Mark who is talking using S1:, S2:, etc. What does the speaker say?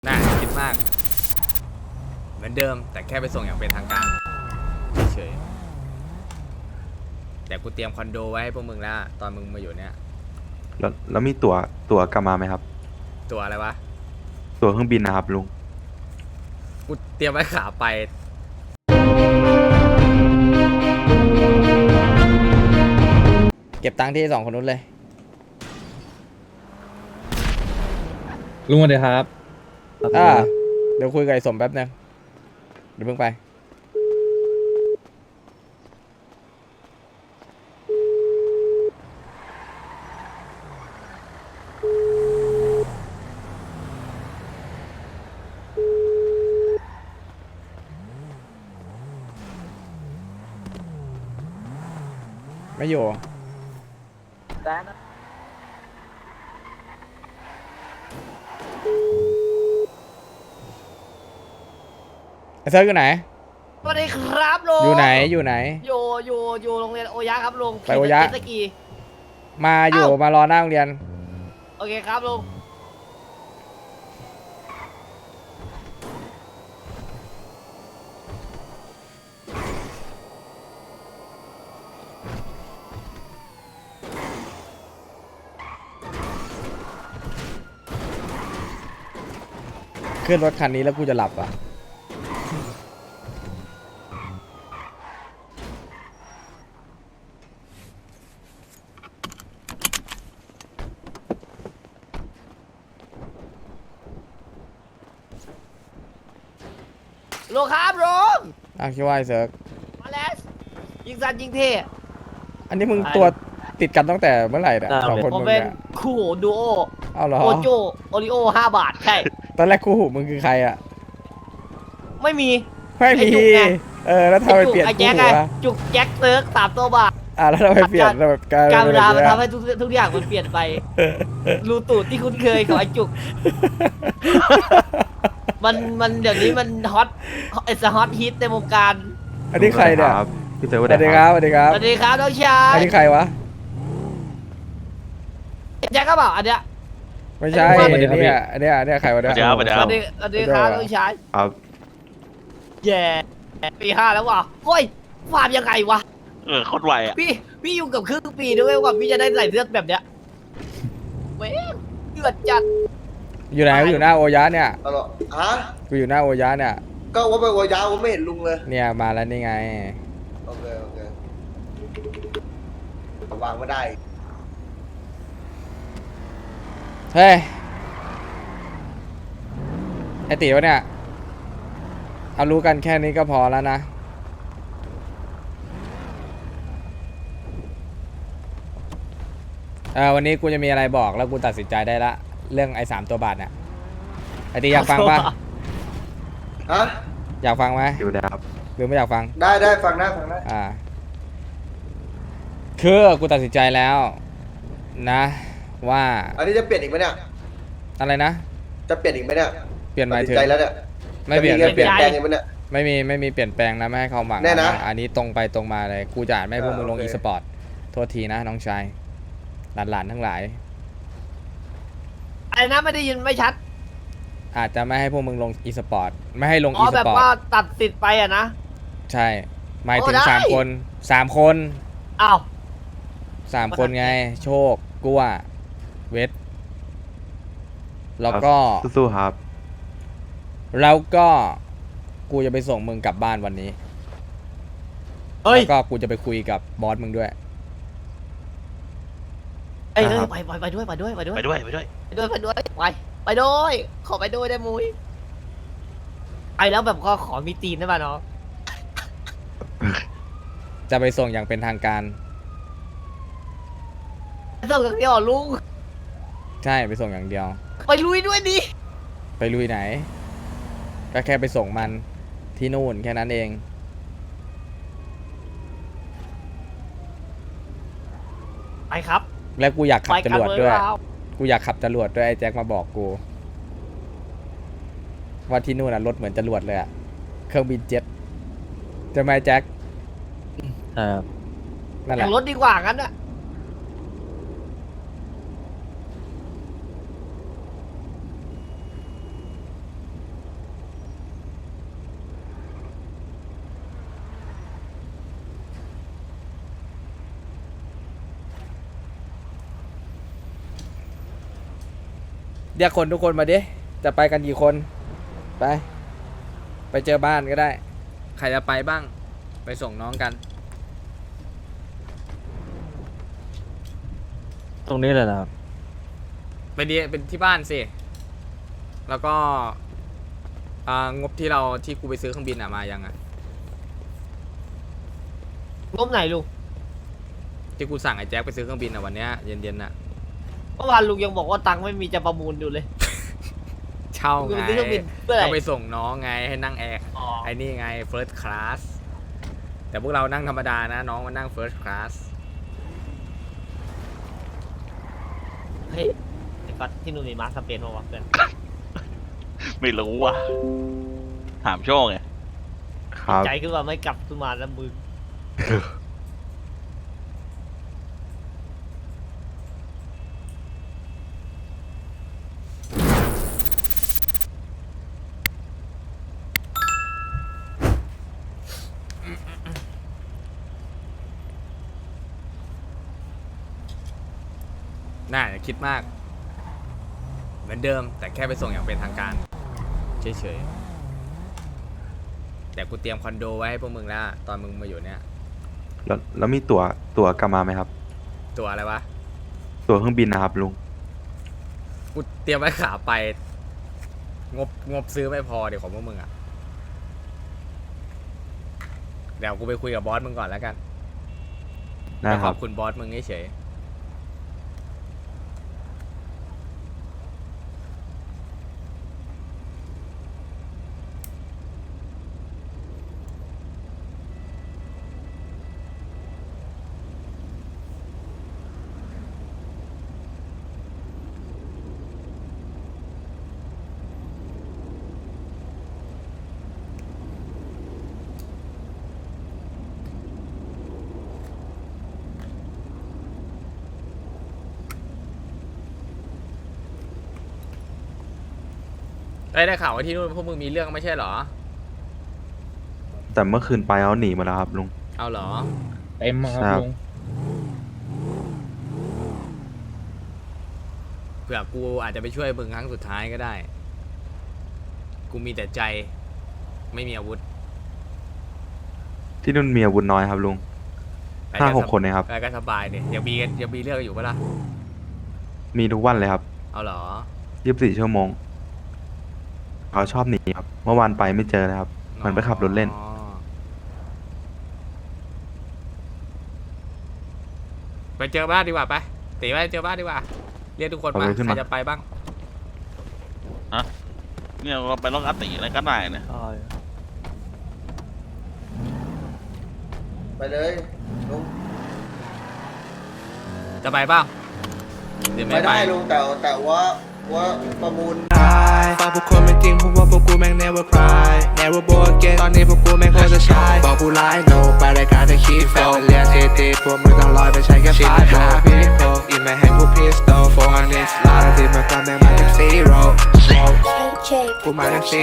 S1: น่าคิดมากเหมือนเดิมแต่แค่ไปส่งอย่างเป็นทางการเฉยแต่กูเตรียมคอนโดไว้ให้พวกมึงแล้วตอนมึงมาอยู่เนี่ย
S2: แล้วมีตั๋วกลับมาไหมครับ
S1: ตัวอะไรวะ
S2: ตั๋วเครื่องบินนะครับลุง
S1: กูเตรียมไว้ขาไปเก็บตังค์ที่2คนนู้นเลย
S3: ลุงสวัสดีครับ
S1: เดี๋ยวคุยกับไอ้สมแป๊บนึงเดี๋ยวเพิ่งไปไม่อยู่ไอ้เซิร์ฟอยู่ไหน
S4: สวัสดีครับลุง
S1: อยู่ไหน
S4: อยู่โรงเรียนโอยะครับลุง
S1: ไปโอยะ
S4: ขี่เจ็ตสกี
S1: มาอยู่มารอหน้าโรงเรียน
S4: โอเคครับลุง
S1: ขึ้นรถคันนี้แล้วกูจะหลับอ่ะ
S4: ลุงครับลุง
S1: คิดว่าไอ้เซิร์ฟ
S4: มาแล้วยิงสันยิงเท่
S1: อันนี้มึงตัวติดกันตั้งแต่เมื่อไหร่เนี่ย2 คน
S4: ผม
S1: มึง
S4: เป็น
S1: เนี่ย
S4: คู่หูดูโอ
S1: เอาเหรอ
S4: โอโจโอริโอ5 บาทใช่
S1: ตอนแรกคู่หูมึงคือใครอ่ะ
S4: ไม่มี
S1: ไม่มี
S4: ไอ้จุกไง
S1: แล้วทำไมเปลี่ยน
S4: ไอ้
S1: คู่
S4: แจ็ค
S1: หู
S4: ไง
S1: อะ
S4: จุกแจ็คเซิร์ก3 ตัวบาท
S1: แล้วทำไมเปลี่ยนแบบกลาย
S4: การเว
S1: เป็น
S4: ลา
S1: แบบ
S4: มัน
S1: เนี้ย
S4: ทำให้ทุกอย่างมันเปลี่ยนไป รูตูดที่คุ้นเคยของไอ้จุก มันเดี๋ยวนี้มันฮอตไอ้ฮอตฮิตในวงการ
S1: อันนี้ใครเนี่ย
S2: ครับพี่เต๋อ
S1: ส
S2: สวั
S1: วั
S2: ส
S1: ส
S2: ดี
S1: ดี
S2: ค
S1: ค
S2: รั
S1: รับบ สวัสดีครับ
S4: สวัสดีครับน้องชาย
S1: อันนี้ใครวะ
S4: แจ็คก็บอกอันเนี้ย
S1: ไม่ใช่
S4: สวั
S1: อั
S4: ส
S1: น
S4: ดี
S1: นี้
S4: ครับ
S1: อันนี้ใครวะเนี่ย
S5: สวัสดีครับ
S4: สวัสดีครับน้องชาย
S2: ครับ
S4: แย่ปี 5แล้วว่ะเฮ้ยฟาร์มยังไงวะ
S5: โคตรไวอ่ะ
S4: พี่อยู่กับครึ่งปีด้วยกว่าพี่จะได้ใส่เสื้อแบบเนี้ยเว้ยเดือดจัด
S1: อยู่ไหนกูอยู่หน้าโอยะเนี่ย
S6: ตลอดฮะ
S1: กูอยู่หน้าโอยะเนี่ย
S6: ก็ว่าไปวัวยาวผมไม่เห็นลุงเลย
S1: เนี่ยมาแล้วนี่ไง
S6: โอเควางไม่ได้
S1: เฮ้ยไอตีวะเนี่ยเอารู้กันแค่นี้ก็พอแล้วนะวันนี้กูจะมีอะไรบอกแล้วกูตัดสินใจได้ละเรื่องไอ้3 ตัวบาทเนี่ยไอตีอยากฟังป่ะ
S6: ฮะ
S1: อยากฟังไหม
S2: อยู่นะครับ
S1: หรือไม่อยากฟัง
S6: ได้ฟังได้
S1: คือกูตัดสินใจแล้วนะ ว่า
S6: อันนี้จะเปลี่ยนอีกไหมเนี่ย
S1: อะไรนะ
S6: จะเปลี่ยนอีกไหมเนี่ย
S1: เปลี่ยนหมาย
S6: ตัด
S1: ถึ
S6: สิ
S1: ง
S6: นใจแล้วเนี่ย
S1: ไม่เปลี่ยน
S6: จะ
S1: ไม่เปลี่ยน
S6: เปลี่ยนแปลงอีกไหมเนี่ย
S1: ไม่มีเปลี่ยนแปลงนะไม่ให้เขาหวัง
S6: แน่นะ
S1: อันนี้ตรงไปตรงมาเลยกูจะไม่ให้พวกมึงลง
S6: โอเค
S1: อีสปอร์ตโทษทีนะน้องชายหลานๆทั้งหลาย
S4: อะไรนะไม่ได้ยินไม่ชัด
S1: อาจจะไม่ให้พวกมึงลงอีสปอร์ตไม่ให้ลง
S4: อ๋
S1: อี
S4: อ
S1: ส
S4: แบบ
S1: ปอร์
S4: ว่า
S1: ต
S4: ตัดสิทธิ์ไปอะนะ
S1: ใช่หมายถึง
S4: โอ้ได้
S1: 3 คน3 คน
S4: อ้าว
S1: 3 คนไงโชคกัวเวทแล้วก็
S2: สู้ๆครับ
S1: แล้วก็กูจะไปส่งมึงกลับบ้านวันนี้
S4: เฮ้ย
S1: แล้วก็กูจะไปคุยกับบอสมึงด้วย
S4: เอ้ย
S2: ครับ
S4: ไปด้วยไปด้วย
S5: ไปด้วยไปด้วย
S4: ไปด้วยขอไปด้วยได้มุ้ยไปแล้วแบบขอมีตีนได้ป่ะเนาะ
S1: จะไปส่งอย่างเป็นทางการ
S4: ส่งกับเดียวลุง
S1: ใช่ไปส่งอย่างเดียว
S4: ไปลุยด้วยดิ
S1: ไปลุยไหน ก็แค่ไปส่งมันที่นู่นแค่นั้นเอง
S4: ไปครับ
S1: แล้วกูอยากขั
S4: ไป
S1: บจ
S4: กัน
S1: รวด
S4: เลย
S1: ด้วย
S4: เรา
S1: กูอยากขับจรวดด้วยไอ้แจ็คมาบอกกู ว่าที่นู่นน่ะรถเหมือนจรวดเลยอะเครื่องบินเจ็ตจะไหมแจ็คนั่นแห
S4: แต่
S1: ละ
S4: งรถดีกว่างั้นอะ
S1: เรียกคนทุกคนมาดิจะไปกันกี่คนไปเจอบ้านก็ได้ใครจะไปบ้างไปส่งน้องกัน
S5: ตรงนี้เลยนะครับ
S1: เป็นที่บ้านสิแล้วก็งบที่กูไปซื้อเครื่องบินมายังอ่ะ
S4: งบไหนลุง
S1: ที่กูสั่งไอ้แจ็คไปซื้อเครื่องบินวันเนี้ยเย็นๆน่ะ
S4: เมื่อวานลุงยังบอกว่าตังค์ไม่มีจะประมูลอยู่เลย
S1: เช่า
S4: ลุง
S1: ไง
S4: ไปซื้อเครื่องบินเพื่ออะไร
S1: ก็ไปส่งน้องไงให้นั่งแอร์
S4: อ๋อ
S1: ไอ้นี่ไง first class แต่พวกเรานั่งธรรมดานะน้องมันนั่ง first class
S4: เฮ้ยไอ้ก๊อตที่นู่นมีมาร์คสเปนป่าวะเพื่อน
S7: ไม่รู้ว่ะ ถามโชคไง
S2: ครับ
S4: ใจคือว่าไม่กลับขึ้นมาแล้วมึง
S1: น่าอย่าคิดมาก เหมือนเดิมแต่แค่ไปส่งอย่างเป็นทางการเฉยๆแต่กูเตรียมคอนโดไว้ให้พวกมึงแล้วตอนมึงมาอยู่เนี่ย
S2: แล้วมีตั๋วกลับมาไหมครับ
S1: ตัวอะไรวะ
S2: ตั๋วเครื่องบินนะครับลุง
S1: กูเตรียมไว้ขาไปงบซื้อไม่พอเดี๋ยวของพวกมึงอ่ะเดี๋ยวกูไปคุยกับบอสมึงก่อนแล้วกัน
S2: ได้
S1: ไป
S2: ค
S1: ข
S2: รั
S1: อ
S2: บบ
S1: คุณบอสมึงเฉยได้ข่าวว่าที่นู่นพวกมึงมีเรื่องไม่ใช่เหรอ
S2: แต่เมื่อคืนไปเอาหนีหมาแล้วครับลุง
S1: เอาเหรอ
S3: เต็มครับ
S2: ครับ
S3: ลุง
S1: เผื่อกูอาจจะไปช่วยมึงครั้งสุดท้ายก็ได้ กูมีแต่ใจไม่มีอาวุธ
S2: ที่นู่นมีอาวุธน้อยครับลุง
S1: ไปก็
S2: 5-6 คนเองครับ
S1: ไปก็สบายเนี่ยยังมีเรื่องอยู่ปะล่ะ
S2: มีทุกวันเลยครับ
S1: เอาเหรอ
S2: 24 ชั่วโมงเขาชอบหนีครับ เมื่อวานไปไม่เจอเลยครับ มันไปขับรถเล่น
S1: อ๋อไปเจอบ้านดีกว่าไปตีไปเจอบ้านดีกว่า เรียกทุกคน
S2: เอา
S1: มา
S2: ไปขึ้น
S1: ใคร
S2: มา
S1: จะไปบ้าง
S7: เนี่ยเราไปล็อกอัตติอะไรก็ได้นะ
S6: ไปเลยลุง
S1: จะไปบ้างหรือ
S6: ไป
S1: ไม่ไป
S6: ได้ลุงแต่ว่าประมูล
S8: ฟังพวกคนไม่จริงเพราะว่าพวกกูแม่ง never cry never bow again ตอนนี้พวกกูแม่งโคตรจะชายบอกกูไลน์ no ไปรายการจะคีโฟเรียนเทตีพวกมึงต้องลอยไปใช้แค่5 โมพี่โฟอินมาแฮงกูพิสโต400 ลาที่มาก่อนแม่งมาจาก zero กูมาจาก